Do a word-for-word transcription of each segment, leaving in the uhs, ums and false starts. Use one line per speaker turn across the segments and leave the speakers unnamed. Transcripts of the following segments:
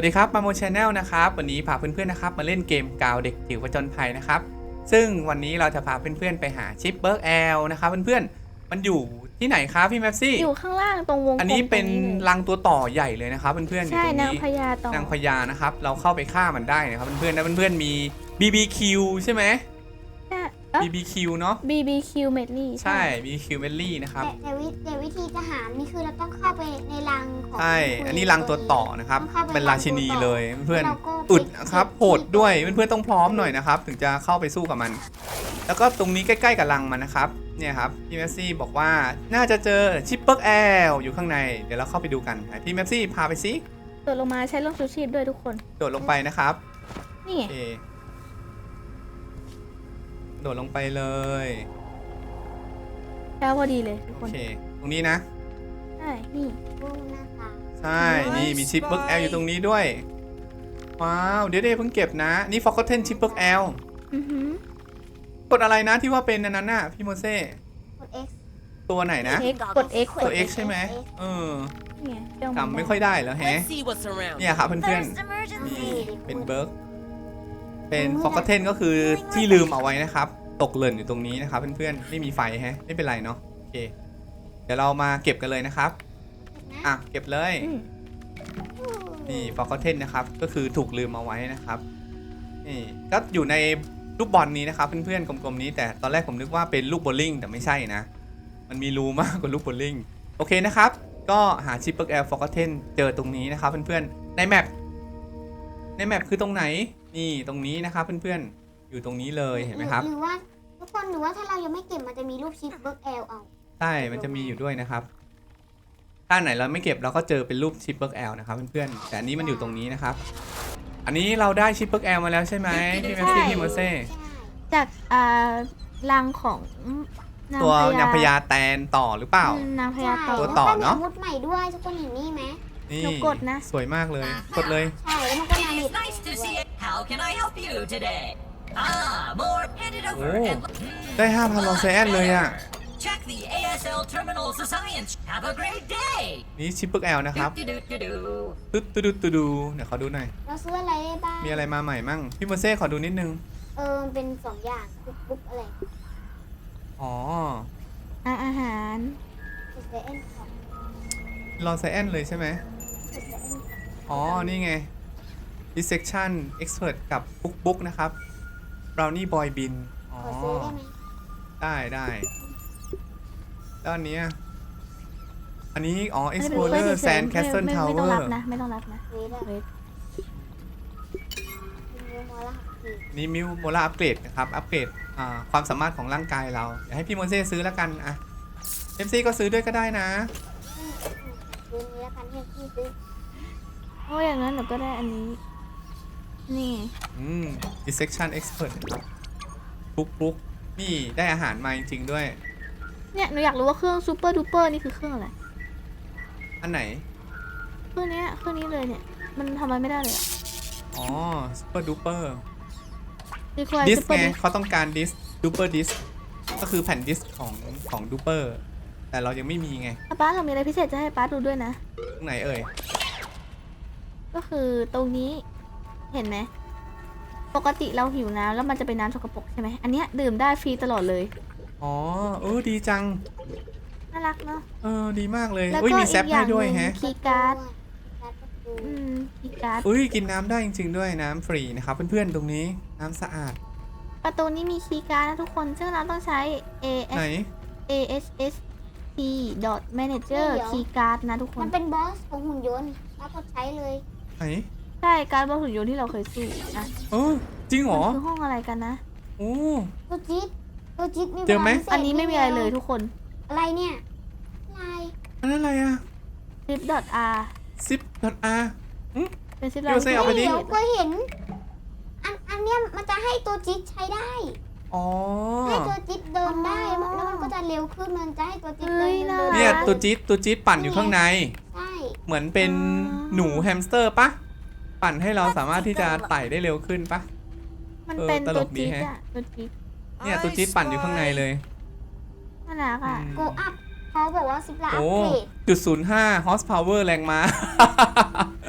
วัสดีครับมาโมชแนลนะครับวันนี้พาเพื่อนๆนะครับมาเล่นเกมกาวเด็กจิ๋วผจญภัยนะครับซึ่งวันนี้เราจะพาเพื่อนๆไปหาชิปเบิร์กแอลนะครับเพื่อนๆมันอยู่ที่ไหนครับพี่แมปซี่
อยู่ข้างล่างตรงวงกลม
อันนี้เป็นรังตัวต่อใหญ่เลยนะครับเพื่อนๆอยู่
ใช่
ตรง
นาง
นี้
พญาต่อน
างพญานะครับเราเข้าไปฆ่ามันได้นะครับเพื่อนๆแล้วเพื่อนๆมี บี บี คิว ใช่ไหม บี บี คิว เนาะ
บี บี คิว เมดลี่
ใช่ บี บี คิว เมลลี่นะครับ
แต่แต่วิแต่วิธีจะหารนี่คือเราต้องเข้าไปในรังของ
ใช่
คุณ
อันนี้รังตัวต่อนะครับ
ต้องเข้าไป
เป็นราชินีเลยเพื่อน
แล้วก็
ๆอึดนะครับ
ไป
โหดด้วยเพื่อนๆต้องพร้อมหน่อยนะครับถึงจะเข้าไปสู้กับมัน แล้วก็ตรงนี้ใกล้ๆกับรังมันนะครับเนี่ยครับพี่แมปซี่บอกว่าน่าจะเจอชิปเปิร์กแอลอยู่ข้างในเดี๋ยวเราเข้าไปดูกันพี่แมปซี่พาไปสิ
โดดลงมาใช้ร่มชูชีพด้วยทุกคน
โดดลงไปนะครับ
นี่ไง
โอเคโดดลงไปเลย
แล้วพอดีเลยทุก
โอ
คน
เคตรงนี้นะ
ใช่นี่
ดูหน้าตา
ใช่นี่มีชิปเปิร์กแอลอยู่ตรงนี้ด้วยว้าวเดี๋ยวเดี๋ยวเพิ่งเก็บนะนี่ฟ็อกเทนชิปเปิร์กแอล
อือหือก
ดอะไรนะที่ว่าเป็นอันนั้นน่ะพี่โมเซ่
กด X
ตัวไหนนะ
X กด X
ตัว X ใช่ไหมเออ
นี่ไงเจ้า
จำไม่ค่อยได้แล้วแฮะ
Let's see what's around.
เนี่ยครับเพื่อน
There's
ๆนี่
emergency
เป็นเบิร์กเป็นฟ็อกเทนก็คือที่ลืมเอาไว้นะครับตกหล่นอยู่ตรงนี้นะครับเพื่อนๆไม่มีไฟแฮะไม่เป็นไรเนาะโอเคเดี๋ยวเรามาเก็บกันเลยนะครับอ่ะเก็บเลย
อืม
นี่ฟอกเทนนะครับก็คือถูกลืมเอาไว้นะครับนี่ก็อยู่ในลูกบอลนี้นะครับเพื่อนๆกลมๆนี้แต่ตอนแรกผมนึกว่าเป็นลูกโบว์ลิ่งแต่ไม่ใช่นะมันมีรูมากกว่าลูกโบว์ลิ่งโอเคนะครับก็หาชิปเปิร์กแอลฟอกเทนเจอตรงนี้นะครับเพื่อนๆในแมปในแมปคือตรงไหนนี่ตรงนี้นะครับเพื่อนๆอยู่ตรงนี้เลยเห็นไหมครับ
หรือว่าทุกคนหรือว่าถ้าเรายังไม่เก็บมันจะมีรูปชิปเบิร์กแอลเอา
ใช่มันจะมีอยู่ด้วยนะครับถ้าไหนเราไม่เก็บเราก็เจอเป็นรูปชิปเปิร์กแอลนะครับเพื่อนๆแต่อันนี้มันอยู่ตรงนี้นะครับอันนี้เราได้ชิปเปิร์กแอลมาแล้วใช่ไหมพี่แมปซี่พี่โมเซ่
ใช่
จากอ่ารังของนาง
ตัวนางพญาแตนต่อหรือเปล่า
อืมนางพญาต่อ
ตัวต่อเนอะ
แล้วก็มีอาวุธใหม่ด้วยทุกคนเห็นนี่ไหม
นี่
หนูกดนะ
สวยมากเลย กดเลย
ใช่แล้วมันก็มา
It's nice to see it. How can I help you today? Ah, more. Hand it over.
Oh.
and
ได้ ห้าพัน ลอเซแอนเลยอ่ะ
Check the เอ เอส แอล terminals of science. Have a great day.
นี่ชิปเปิร์กแอลนะครับ
Do-do-do-do-do.
ตึ๊ดตึ๊ดตึ๊ดตึ๊ดดูเดี๋ยวขอดูหน่อย
เราซื้ออะไรได้บ้าง
มีอะไรมาใหม่มั่งพี่โมเซ่ขอดูนิดนึง
เออมันเป็นสองอย่างคุกบุ๊กอะไร
อ๋อ
อ่ะอาหาร
คุกเซเอ็นของ
ลอเซแอนเลยใช่ไหม
คุกเซเอ็นของ
อ๋อนี่ไง dissection expert กับบุ๊กบุ๊กนะครับ brownie boy bin อ๋อ
ขอซื้อได้ไหม
ได้ได้แล้วอันเนี้ยอันนี้อ๋อ
อันนี้เป็น
explorer
เฉยๆ
sand
ไม่
castle
ไม่ไม่ต้อง
tower
รับนะไม่ต้องรับนะ
ซื้อได้
เวท
มีโมล่าสี
นี่มิวโมล่าอัปเกรดนะครับ อัปเกรดอ่าความสามารถของร่างกายเราเดี๋ยวให้พี่โมเซ่ซื้อแล้วกันอ่ะเอฟซีก็ซื้อด้วยก็ได้นะ
ซื้อนี้แล้วกันที่พี่ซื้อ
เพราะอย่างนั้นหนูก็ได้อันนี้ นี่
อืม dissection expert นะครับปุ๊กปุ๊กนี่ได้อาหารมาจริงๆด้วย
เนี่ยหนูอยากรู้ว่าเครื่องซูเปอร์ดูเปอร์นี่คือเครื่องอะไร
อันไหน
เครื่องเนี้ยเครื่องนี้เลยเนี่ยมันทำอะไรไม่ได้เลยอะ
อ๋อ super duper
คือควาย
ดิส
ซูเปอร์
ไง
ดิส
เขาต้องการดิส duper disk ก็คือแผ่นดิสของของ duper แต่เรายังไม่มีไง
ป้าเรามีอะไรพิเศษจะให้ป้าดูด้วยนะ
ตรงไหนเอ่ย
ก็คือตรงนี้เห็นไหมปกติเราหิวน้ำแล้วมันจะเป็นน้ำสกปรกใช่ไหมอันเนี้ยดื่มได้ฟรีตลอดเลย
อ๋อเออดีจัง
น่ารักเนาะ
เออดีมากเลย
แล้ว
อุ้ย
ก็
มี
อี
แซป
กอ
ให้
ย่างห
ด้วย
นึ่ง
แฮะ
คีย์การ์ด
การ์ดประตู
อืมคีย์การ์ด
อุ้ยกินน้ำได้จริงๆด้วยน้ำฟรีนะครับเพื่อนๆตรงนี้น้ำสะอาด
ประตูนี้มีคีย์การ์ดนะทุกคนซึ่งเราต้องใช้ A
ไหน
S A S S P dot manager คีย์การ์ดนะทุกค
มัน นเป็นบอสของหุ่นยนต์แล้วกดใช้เลย
ไหน
ใช่การ์ดบนหุ่นยนต์ที่เราเคยสู้นะ
เออจริงเหร
มั
อ
นคือห้องอะไรกันนะ
โอ้
ตัวจี๊ดตัวจี๊ดมี
เจอไหม
พลังพิศษ
อันนี้ไม่มีอะไรเลยทุกคน
อะไรเนี่ยอะไร
อันนั้นอะไรอะ
ซิป dot r
ซิปดอทอาร์
เป็นซิป
เดี๋ยวเซ่เอาไปดิ
เดี๋ยวก็เห็น อันอันเนี้ยมันจะให้ตัวจี๊ดใช้ได้
อ๋อ
ให้ตัวจี๊ดเดินได้แล้วมันก็จะเร็วขึ้นมันจะให้ตัวจี๊ดเดินเดิน
เนี่ยตัวจี๊ดตัวจี๊ดปั่นอยู่ข้างใน
ใช่
เหมือนเป็นหนูแฮมสเตอร์ปะปั่นให้เราสามารถที่จะไต่ได้เร็วขึ้นปะ
มันเป็น
เออตล
ตัว
กดี
จี๊ด
แฮะ
อะตัวจี๊ด
เนี่ยตัวจี๊ดปั่นอยู่ข้างในเลย
น่ารักอะ
อืม
โกอัพเขาบอกว่าสิบละอั
โอ้
ปเกรด
จุดศูนย์ห้า horsepower แรงม้า ต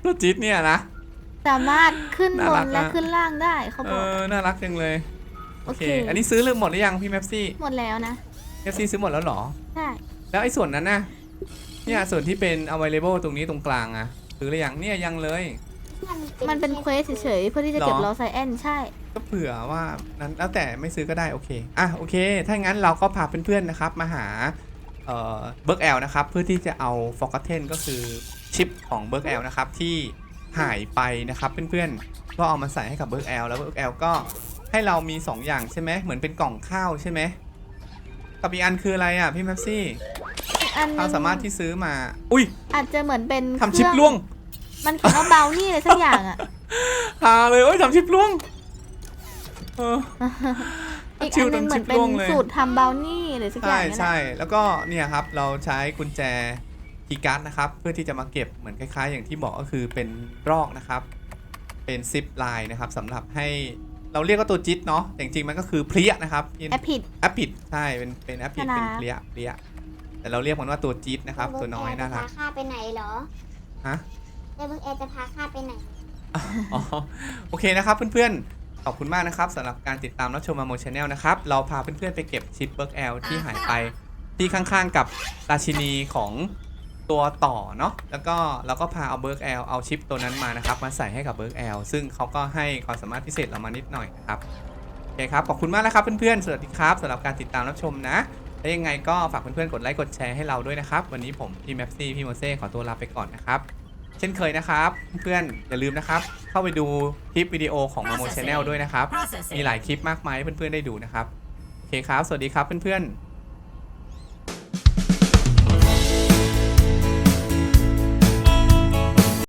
ตัวจี๊ดเนี่ยนะ
สามารถขึ้นบ
น่ารั
น
ก
และ
นะ
ขึ้นล่างได้เขา
เอ
บอก
อน่ารักจังเลยโอเค
โอเค
อันนี้ซื้อเรื่องหมดหรือยังพี่แม็ปซี่
หมดแล้วนะ
แม็ปซี่ซื้อหมดแล้วเหรอ
ใช่
แล้วไอ้ส่วนนั้นน่ะเนี่ยส่วนที่เป็น available ตรงนี้ตรงกลางอะซื้อหรือยังเนี่ยยังเลย
มันเป็นเควสเฉยๆเพื่อที่จะเก็บ
หรอ
ลอไซแอนใช่
ก็เผื่อว่านั้นแล้วแต่ไม่ซื้อก็ได้โอเคอ่ะโอเค ถ้างั้นเราก็พาเพื่อนๆนะครับมาหาเอ่อเบิร์กแอลนะครับเพื่อที่จะเอา Forgotten ก็คือชิปของเบิร์กแอลนะครับที่หายไปนะครับเพื่อนๆก็เอามาใส่ให้กับเบิร์กแอลแล้วเบิร์กแอลก็ให้เรามีสองอย่างใช่ไหมเหมือนเป็นกล่องข้าวใช่ไหมกับอีกอันคืออะไรอ่ะพี่แม็ปซี่
อีกอันหนึ
เรา
ง
สามารถที่ซื้อมาอุ้ย
อาจจะเหมือนเป็น
ทำชิป
เครื่อง
ล่วง
มันเขียนว่าเบลนี่อะไรสักอย่างอ่ะ
หาเลยโอ้ยทำชิปล่วงเออ
อีกอันหนึงเหมือนเป็น
ชิวจนชิปล่วงเลย
สูตรทำเบลนี่หรือสักอย่า
ใช่
งนั่นแหละ
ใช่แล้วก็เนี่ยครับเราใช้กุญแจคีย์การ์ดนะครับเพื่อที่จะมาเก็บเหมือนคล้ายๆ อย่างที่บอกก็คือเป็นรอกนะครับเป็นซิปไลน์นะครับสำหรับให้เราเรียกว่าตัวจิ๊ดเนาะแต่จริงๆมันก็คือเพลียนะครับ
แอปผิด
แอปผิดใช่เป็นเป็นแอปผิด
น่ารั
เป็
ก
นเพลียเพลียแต่เราเรียกมันว่าตัวจิ๊ดนะครับตัวน้อยน่ารัก
จะพาข้าไปไหนเหรอ
ฮะ
เดบิวแอร์จะพาข้าไปไหน
อ๋อโอเคนะครับเพื่อนๆขอบคุณมากนะครับสำหรับการติดตามรับชมมาโมชแนลนะครับเราพาเพื่อนๆไปเก็บชิปเบิร์กแอลที่หายไปที่ข้างๆกับราชินีของตัวต่อเนาะแล้วก็เราก็พาเอาเบิร์กแอลเอาชิปตัวนั้นมานะครับมาใส่ให้กับเบิร์กแอลซึ่งเขาก็ให้ความสามารถพิเศษเรามานิดหน่อยนะครับโอเคครับขอบคุณมากนะครับเพื่อนๆสวัสดีครับสำหรับการติดตามรับชมนะและยังไงก็ฝากเพื่อนๆกดไลค์กดแชร์ให้เราด้วยนะครับวันนี้ผมพี่แมปซี่พี่โมเซ่ขอตัวลาไปก่อนนะครับเช่นเคยนะครับเพื่อนๆอย่าลืมนะครับเข้าไปดูคลิปวิดีโอของมาโมชแนลด้วยนะครับมีหลายคลิปมากมายให้เพื่อนๆได้ดูนะครับโอเคครับสวัสดีครับเพื่อนๆ